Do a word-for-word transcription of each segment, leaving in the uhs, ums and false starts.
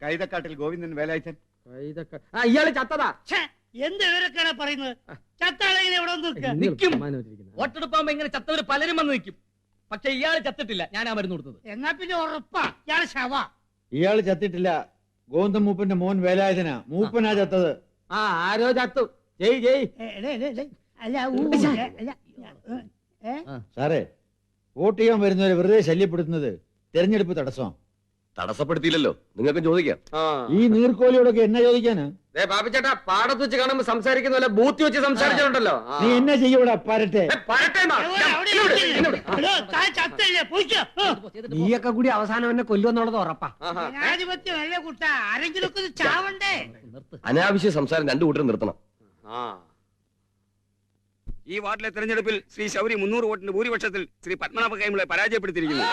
കൈതക്കാട്ടിൽ ഗോവിന്ദൻ വേലായുധൻ. ഇയാള് ചത്തതാ. എന്ത് വിവരക്കാണ് പറയുന്നത്? ചത്താളെങ്ങനെ ഇവിടെ നിൽക്കും. വോട്ടെടുപ്പാകുമ്പോ ഇങ്ങനെ ചത്തവര് പലരും വന്ന് നിൽക്കും. പക്ഷെ ഇയാള് ചത്തിട്ടില്ല. ഞാനാ മരുന്ന് കൊടുത്തത്. എന്നാ പിന്നെ ഉറപ്പാ ഇയാള് ശവ. ഇയാള് ചത്തിട്ടില്ല. ഗോവിന്ദൻ മൂപ്പന്റെ മോൻ വേലായുധനാ. മൂപ്പനാ ചത്തത്. ആ ആരോ ചത്തു. ജയ് ജയ്. അല്ല സാറേ, വോട്ട് ചെയ്യാൻ വരുന്നവരെ വെറുതെ ശല്യപ്പെടുത്തുന്നത് തെരഞ്ഞെടുപ്പ് തടസ്സം. തടസ്സപ്പെടുത്തിയില്ലല്ലോ, നിങ്ങൾക്ക് ചോദിക്കാം. ഈ നീർക്കോലിയോടൊക്കെ എന്നെ ചോദിക്കാനാ? ബാബുചേട്ടാ, പാടത്ത് വെച്ച് കാണുമ്പോ സംസാരിക്കുന്ന പോലെ ബൂത്തി വെച്ച് സംസാരിച്ചിട്ടുണ്ടല്ലോ. നീ എന്നെ ചെയ്യൂടാ പരട്ടെ. നീയൊക്കെ കൂടി അവസാനം എന്നെ കൊല്ലുമെന്നുള്ളത് ഉറപ്പാ. ജനാധിപത്യം അല്ലേ കുട്ട, ആരെങ്കിലും ഒക്കെ ചാവണ്ടേ? അനാവശ്യ സംസാരം രണ്ടു കൂട്ടരും നിർത്തണം. ഈ വാർഡിലെ തെരഞ്ഞെടുപ്പിൽ ശ്രീ ശൗരി മുന്നൂറ് വോട്ടിന്റെ ഭൂരിപക്ഷത്തിൽ ശ്രീ പത്മനാഭ കൈമളെ പരാജയപ്പെടുത്തിയിരിക്കുന്നു.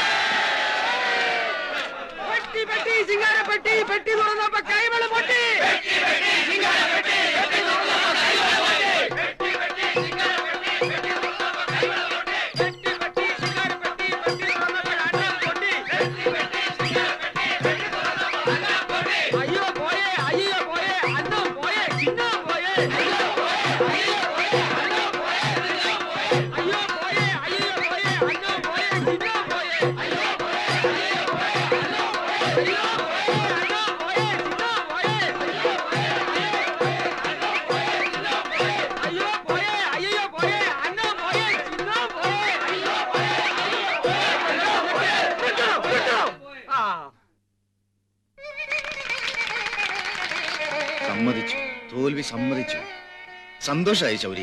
സമ്മതിച്ചു, തോൽവി സമ്മതിച്ചു. സന്തോഷായി ശൗരി.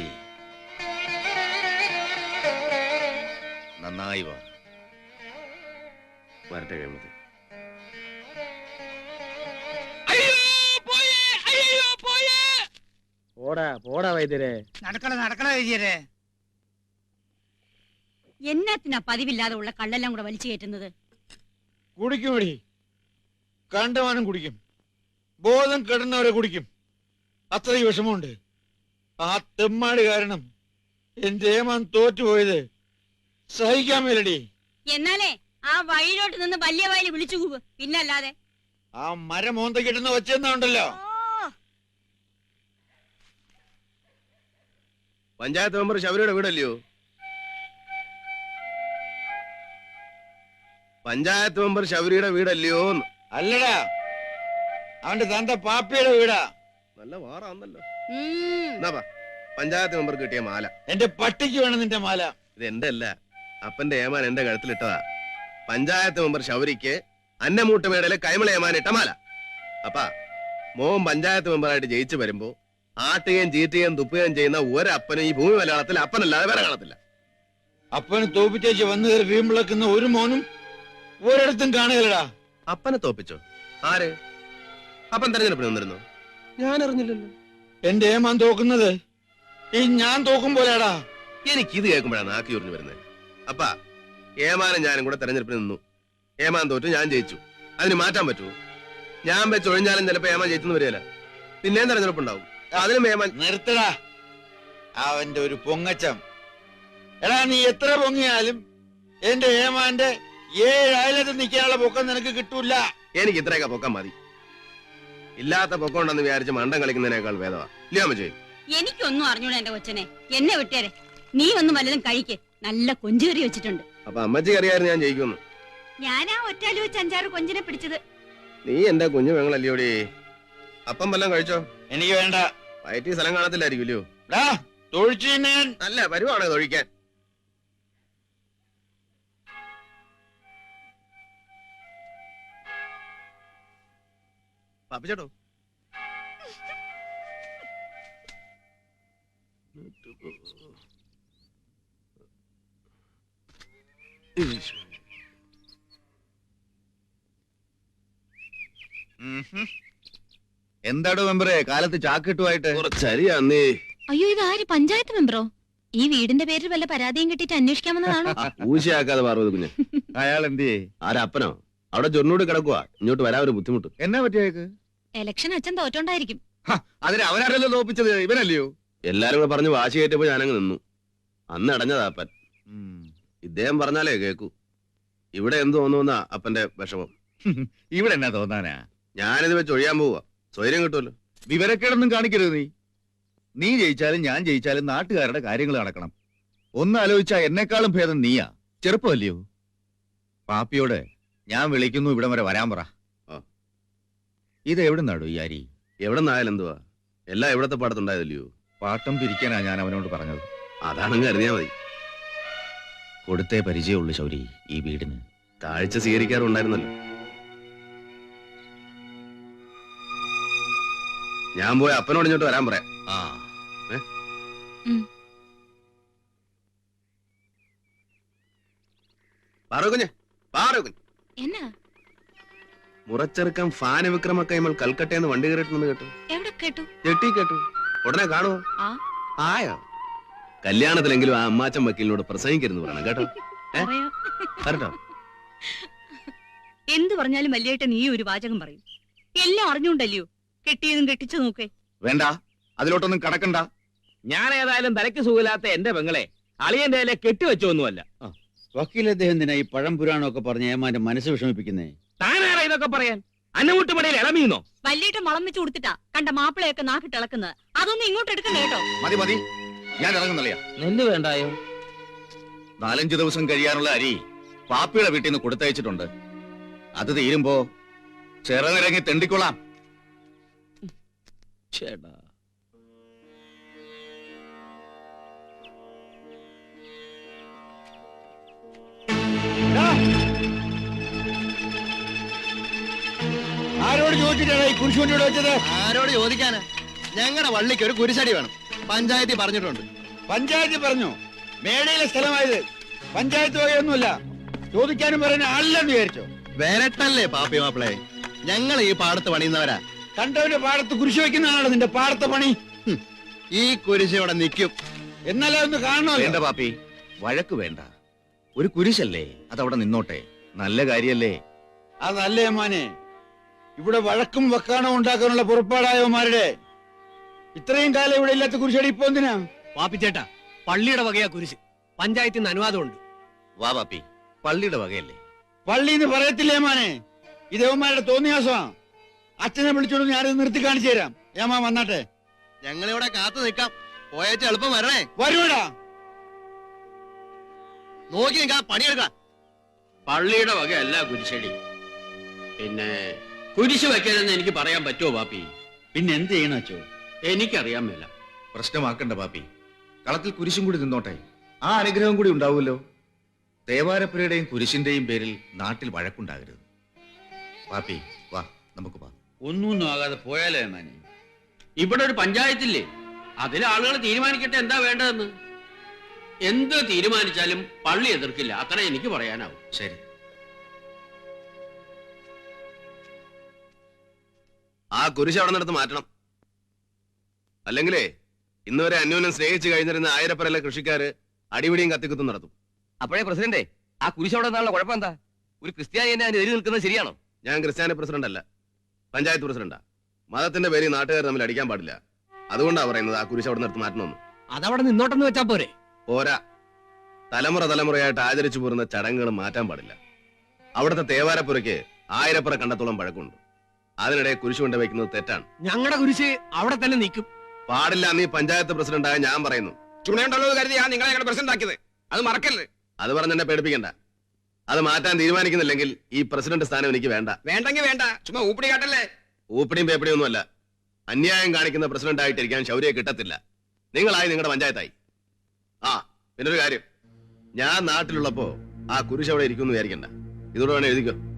നന്നായി വാ. വരട്ടെ കൈമളത്തെ. പോടാ പോടാ വൈദ്യരെ. നടക്കണ നടക്കണ വൈദ്യരെ. എന്നാത്തിനാ പതിവില്ലാതെ ഉള്ള കള്ളെല്ലാം കൂടെ വലിച്ചു കയറ്റുന്നത്? കുടിക്കുമടി, കണ്ടമാനം കുടിക്കും. ബോധം കെടുന്നവരെ കുടിക്കും. അത്രയും വിഷമമുണ്ട്. ആ തെമ്മാട് കാരണം എന്റെ ഏമാൻ തോറ്റുപോയത് സഹിക്കാൻ മേലടി. എന്നാലേ ആ വഴിയിലോട്ട് നിന്ന് വലിയ വയലിൽ വിളിച്ചു കൂവ്, പിന്നല്ലാതെ. ആ മരം മോന്ത കിട്ടുന്ന വെച്ചെന്നുണ്ടല്ലോ. പഞ്ചായത്ത് മെമ്പർ ശബരിയുടെ വീടല്ലയോ? പഞ്ചായത്ത് മെമ്പർ ശബരിയുടെ വീടല്ലയോ? അല്ലടാ, അവന്റെ തന്ത പാപ്പിയുടെ വീടാ. നല്ല വാറാന്നല്ലോ. എന്നാ പഞ്ചായത്ത് മെമ്പർ കിട്ടിയ മാല. എന്റെ പട്ടിക്ക് വേണം നിന്റെ മാല. ഇത് എന്റെ അല്ല, അപ്പന്റെ ഏമാൻ എന്റെ കഴുത്തിലിട്ടതാ. പഞ്ചായത്ത് മെമ്പർ ശൗരിക്ക് അന്നമൂട്ടുമേടയിലെ കൈമള ഏമാൻ ഇട്ട മാല. അപ്പാ മോൻ പഞ്ചായത്ത് മെമ്പറായിട്ട് ജയിച്ചു വരുമ്പോ ആട്ടുകയും ചീറ്റുകയും തുപ്പുകയും ചെയ്യുന്ന ഒരപ്പനും ഈ ഭൂമി മലയാളത്തിൽ അപ്പനല്ലാതെ വേറെ കാണത്തില്ല. അപ്പന് തോപ്പിച്ചേച്ച് വന്നു കയറി വീമ്പിളക്കുന്ന ഒരു മോനും ഒരിടത്തും കാണുകയല്ലടാ. അപ്പനെ തോപ്പിച്ചോ? ആര്? അപ്പൻ തെരഞ്ഞെടുപ്പിന് വന്നിരുന്നു? ഞാൻ അറിഞ്ഞില്ലല്ലോ. എന്റെ ഏമാൻ തോക്കുന്നത് ഈ ഞാൻ തോക്കും പോലെയാടാ. എനിക്കിത് കേൾക്കുമ്പോഴാണ് നാക്കി ഉറിഞ്ഞു വരുന്നത്. അപ്പാ ഏമാനും ഞാനും കൂടെ തെരഞ്ഞെടുപ്പിന് നിന്നു. ഏമാൻ തോറ്റു, ഞാൻ ജയിച്ചു. അതിന് മാറ്റാൻ പറ്റുമോ? ഞാൻ വെച്ച് ഒഴിഞ്ഞാലും ചിലപ്പോ ഏമാൻ ജയിച്ചെന്ന് വരികയില്ല. പിന്നെയും തെരഞ്ഞെടുപ്പുണ്ടാവും. അതിനും ഏമാൻ. നിർത്തടാ അവന്റെ ഒരു പൊങ്ങച്ചം. എടാ, നീ എത്ര പൊങ്ങിയാലും എന്റെ ഏമാന്റെ ഏഴ് അയലത്ത് നിൽക്കാനുള്ള പൊക്കം നിനക്ക് കിട്ടൂല. എനിക്ക് ഇത്രയൊക്കെ പൊക്കം മതി. ഇല്ലാത്ത പൊക്കം ഉണ്ടെന്ന് വിചാരിച്ച് മണ്ടം കളിക്കുന്നതിനേക്കാൾ ഭേദമാ. ഇല്ലേ അമ്മച്ചേ? എനിക്കൊന്നും അറിഞ്ഞൂടാ എന്റെ കൊച്ചനെ. എന്നെ വിട്ടേരെ. നീ ഒന്നും വല്ലതും കഴിക്ക്. നല്ല കൊഞ്ചുകറി വെച്ചിട്ടുണ്ട്. അപ്പൊ അമ്മച്ചി അറിയായിരുന്നു ഞാൻ ജയിക്കുന്നു. ഞാനാ ഒറ്റാലു വെച്ച് അഞ്ചാറ് കൊഞ്ചിനെ പിടിച്ചത്. നീ എന്റെ കുഞ്ഞു പെങ്ങളല്ലയോടി. അപ്പം വല്ലതും കഴിച്ചോ? എനിക്ക് വേണ്ട. വയറ്റി സ്ഥലം കാണത്തില്ലായിരിക്കുമല്ലോ. നല്ല വരുവാണ് തൊഴിക്കാൻ. പാപ്പിച്ചേട്ടോ, എന്താടോ മെമ്പറേ കാലത്ത് ചാക്കിട്ടുമായിട്ട്? കുറച്ചരിയാന്നേ. അയ്യോ, ഇത് ആര്? പഞ്ചായത്ത് മെമ്പറോ? ഈ വീടിന്റെ പേരിൽ വല്ല പരാതിയും കിട്ടിയിട്ട് അന്വേഷിക്കാമെന്നതാണോ? ഊശയാക്കാതെ പാർവതി കുഞ്ഞ്. അയാൾ എന്ത്? ആരപ്പനോ? അവിടെ ചൊന്നോട് കിടക്കുക. ഇങ്ങോട്ട് വരാൻ ഒരു ബുദ്ധിമുട്ട്. എന്നാ പറ്റിയേക്ക്? ഇലക്ഷൻ അച്ഛൻ തോറ്റോണ്ടായിരിക്കും. അതിന് അവരാരല്ലോ തോപ്പിച്ചത്, ഇവനല്ലയോ? എല്ലാരും കൂടെ പറഞ്ഞ് വാശി കയറ്റപ്പോ ഞാനങ്ങ് നിന്നു. അന്ന് അടഞ്ഞതാപ്പൻ. ഇദ്ദേഹം പറഞ്ഞാലേ കേക്കൂ. ഇവിടെ എന്ത് തോന്നുന്ന അപ്പന്റെ വിഷമം. ഇവിടെ എന്നാ തോന്നാനാ? ഞാനിത് വെച്ച് ഒഴിയാൻ പോവാ. സ്വൈര്യം കിട്ടുമല്ലോ. വിവരക്കേടൊന്നും കാണിക്കരുത് നീ. നീ ജയിച്ചാലും ഞാൻ ജയിച്ചാലും നാട്ടുകാരുടെ കാര്യങ്ങൾ നടക്കണം. ഒന്ന് ആലോചിച്ചാ എന്നെക്കാളും ഭേദം നീയാ. ചെറുപ്പമല്ലയോ? പാപ്പിയോട് ഞാൻ വിളിക്കുന്നു, ഇവിടം വരെ വരാൻ പറ. ആ. ഇത് എവിടെ നടും ഈ അരി? എവിടെ നിന്നായാലും എന്തുവാ, എല്ലാം എവിടത്തെ പാടത്തുണ്ടായതല്ലയോ? പാട്ടം പിരിക്കാനാ ഞാൻ അവനോട് പറഞ്ഞത്. അതാണെങ്കിൽ അറിഞ്ഞാ മതി. കൊടുത്തേ പരിചയമുള്ളൂ ശൗരി ഈ വീടിന്. കാഴ്ച സ്വീകരിക്കാറുണ്ടായിരുന്നല്ലോ. ഞാൻ പോയി അപ്പനോട് ഇങ്ങോട്ട് വരാൻ പറയാം. ആ പാറുകുഞ്ഞ്, പാറുകുഞ്ഞ്, എന്നാ മുറച്ചെറുക്കം ഫാന വിക്രമ കൈമൾ കൽക്കട്ടയെന്ന് വണ്ടി കയറിയിട്ടുണ്ടെന്ന് കേട്ടു. എവിടെ കേട്ടു? ചെട്ടി കേട്ടു. ഉടനെ കാണുവോ? ആ ആയോ? കല്യാണത്തിലെങ്കിലും ആ അമ്മാച്ചൻ വക്കീലിനോട് പ്രസംഗിക്കരുന്ന് പറയണം കേട്ടോ. പറയാം. കേട്ടോ? എന്ത് പറഞ്ഞാലും വല്യേട്ടൻ നീ ഒരു വാചകം പറയും. എല്ലാം അറിഞ്ഞുകൊണ്ടല്ലയോ കെട്ടിയതും കെട്ടിച്ചു നോക്കേ. വേണ്ട, അതിലോട്ടൊന്നും കടക്കണ്ട. ഞാൻ ഏതായാലും തലയ്ക്ക് സുഖമില്ലാത്ത എന്റെ പെങ്ങളെ അളിയന്റെ കയ്യിലെ കെട്ടിവെച്ചൊന്നുമല്ല. വക്കീൽ അദ്ദേഹം എന്തിനാ ഈ പഴം പുരാണമൊക്കെ പറഞ്ഞ് ഏമാന്റെ മനസ്സ് വിഷമിപ്പിക്കുന്നേ? താനാരാ ഇതൊക്കെ പറയാൻ? അന്നമുട്ടുമടയിൽ ഇളമീന്നോ? വല്യേട്ടൻ വളം വെച്ച് കൊടുത്തിട്ടാ കണ്ട മാപ്പിളയൊക്കെ നാക്കിട്ടിളക്കുന്നത്. അതൊന്നും ഇങ്ങോട്ട് എടുക്കണ്ട കേട്ടോ. മതി മതി, ഞാൻ ഇറങ്ങുന്നില്ല. നെല്ല് വേണ്ടായോ? നാലഞ്ചു ദിവസം കഴിയാനുള്ള അരി പാപ്പിയുടെ വീട്ടിൽ നിന്ന് കൊടുത്തയച്ചിട്ടുണ്ട്. അത് തീരുമ്പോ ചെറുനിരങ്ങി തെണ്ടിക്കൊള്ളാം. ചേട്ടാ, ആരോട് ചോദിച്ചിട്ടാണ് ഈ കുരിശ് കൊണ്ടിവിടെ വെച്ചത്? ആരോട് ചോദിക്കാനാ? ഞങ്ങളുടെ വള്ളിക്ക് ഒരു കുരിശടി വേണം. പഞ്ചായത്തിൽ പറഞ്ഞിട്ടുണ്ട്. പഞ്ചായത്ത് പറഞ്ഞു, മേടയിലെ സ്ഥലമായത്. പഞ്ചായത്ത് വകയൊന്നുമില്ല. ചോദിക്കാനും പറയുന്ന ആളില്ലെന്ന് വിചാരിച്ചോ? വരട്ടല്ലേ പാപ്പി മാപ്പിളെ, ഞങ്ങൾ ഈ പാടത്ത് പണിയുന്നവരാ. കണ്ടവന്റെ പാടത്ത് കുരിശ് വെക്കുന്നതാണോ നിന്റെ പാടത്തെ പണി? ഈ കുരിശ് ഇവിടെ നിൽക്കും. എന്നാലേ ഒന്ന് കാണണമല്ലോ. വേണ്ട പാപ്പി, വഴക്ക് വേണ്ട. ഒരു കുരിശല്ലേ, അതവിടെ നിന്നോട്ടെ. നല്ല കാര്യല്ലേ? അതല്ലേ മോനെ, ഇവിടെ വഴക്കും വക്കാണോ ഉണ്ടാക്കാനുള്ള പുറപ്പാടായവന്മാരുടെ. ഇത്രയും കാലം ഇവിടെ ഇല്ലാത്ത കുരിശടി ഇപ്പൊ എന്തിനാ? പാപ്പിച്ചേട്ടാ, പള്ളിയുടെ വകയാ കുരിശ്. പഞ്ചായത്തിൽ നിന്ന് അനുവാദമുണ്ട്. വാ പാപ്പി, പള്ളിയുടെ വകയല്ലേ? പള്ളിന്ന് പറയത്തില്ലേ മോനെ, ഇതേവന്മാരുടെ തോന്നിയാസമാ. അച്ഛനെ വിളിച്ചോണ്ട് ഞാനിത് നിർത്തി കാണിച്ചു തരാം. ഏമാ വന്നാട്ടെ. ഞങ്ങളിവിടെ കാത്തു നിൽക്കാം. പോയേറ്റ് എളുപ്പം വരണേ. വരൂടാ. നോക്കി നിൽക്കാ, പണിയെടുക്കാം. പള്ളിയുടെ വകയല്ല കുരിശടി. പിന്നെ കുരിശ് വെക്കരുതെന്ന് എനിക്ക് പറയാൻ പറ്റുമോ പാപ്പി? പിന്നെ എന്ത് ചെയ്യണം അച്ചോ? എനിക്കറിയാൻ മേല. പ്രശ്നമാക്കണ്ട പാപ്പി, കളത്തിൽ കുരിശും കൂടി നിന്നോട്ടെ. ആ അനുഗ്രഹം കൂടി ഉണ്ടാവുമല്ലോ. ദേവാരപ്പുരയുടെയും കുരിശിന്റെയും പേരിൽ നാട്ടിൽ വഴക്കുണ്ടാകരുത്. പാപ്പി വാ, നമുക്ക് വാ. ഒന്നും ആകാതെ പോയാലേ ഏമാനെ? ഇവിടെ ഒരു പഞ്ചായത്തില്ലേ, അതിലെ ആളുകൾ തീരുമാനിക്കട്ടെ എന്താ വേണ്ടതെന്ന്. എന്ത് തീരുമാനിച്ചാലും പള്ളി എതിർക്കില്ല, അത്ര എനിക്ക് പറയാനാവും. ശരി. ആ കുരിശ് അവിടെ നിന്നെടുത്ത് മാറ്റണം. അല്ലെങ്കിലേ ഇന്നുവരെ അന്യോന്യം സ്നേഹിച്ചു കഴിഞ്ഞിരുന്ന ആയിരപ്പരയിലെ കൃഷിക്കാര് അടിപിടിയും കത്തിക്കുത്തും നടത്തും. അപ്പോഴേ പ്രസിഡന്റ്, ആ കുരിശ് അവിടെ നിന്നുള്ള കുഴപ്പം എന്താ? ഒരു ക്രിസ്ത്യാനി എന്നെ അതിന് എതിര് നിൽക്കുന്നത് ശരിയാണോ? ഞാൻ ക്രിസ്ത്യാനി പ്രസിഡന്റ് അല്ല, പഞ്ചായത്ത് പ്രസിഡന്റാ. മതത്തിന്റെ പേരിൽ നാട്ടുകാർ തമ്മിൽ അടിക്കാൻ പാടില്ല. അതുകൊണ്ടാ പറയുന്നത് ആ കുരിശ് അവിടെ നിർത്തി മാറ്റണമെന്ന്. അതവിടെ നിന്നോട്ടെന്ന് വെച്ചാ പോരെ? പോരാ, തലമുറ തലമുറയായിട്ട് ആചരിച്ചു പോരുന്ന ചടങ്ങുകൾ മാറ്റാൻ പാടില്ല. അവിടുത്തെ തേവാരപ്പുരയ്ക്ക് ആയിരപ്പുറ കണ്ടത്തോളം പഴക്കമുണ്ട്. അതിനിടെ കുരിശ് കൊണ്ട് വയ്ക്കുന്നത് തെറ്റാണ്. ഞങ്ങളുടെ കുരിശ് അവിടെ തന്നെ നിൽക്കും. പാടില്ല. നീ പഞ്ചായത്ത് പ്രസിഡന്റായ ഞാൻ പറയുന്നു. ചുണയുണ്ടല്ലോ കരുതിയാ നിങ്ങളെ ഞങ്ങളുടെ പ്രസിഡന്റ് ആക്കിയത്. അത് മറക്കല്ലേ. അത് പറഞ്ഞ് എന്നെ പേടിപ്പിക്കണ്ട. അത് മാറ്റാൻ തീരുമാനിക്കുന്നില്ലെങ്കിൽ ഈ പ്രസിഡന്റ് സ്ഥാനം എനിക്ക് വേണ്ട. വേണ്ടെങ്കിൽ വേണ്ട, ചുമ്മാ ഊപ്പിടി കാട്ടല്ലേ. ഊപ്പിടിയും പേപ്പിടിയും ഒന്നുമല്ല. അന്യായം കാണിക്കുന്ന പ്രസിഡന്റ് ആയിട്ടിരിക്കാൻ ശൗര്യ കിട്ടത്തില്ല. നിങ്ങളായി നിങ്ങളുടെ പഞ്ചായത്തായി. ആ പിന്നൊരു കാര്യം, ഞാൻ നാട്ടിലുള്ളപ്പോ ആ കുരിശ് അവിടെ ഇരിക്കുമെന്ന് വിചാരിക്കണ്ട. ഇതോടെ വേണേ എഴുതിക്കോ.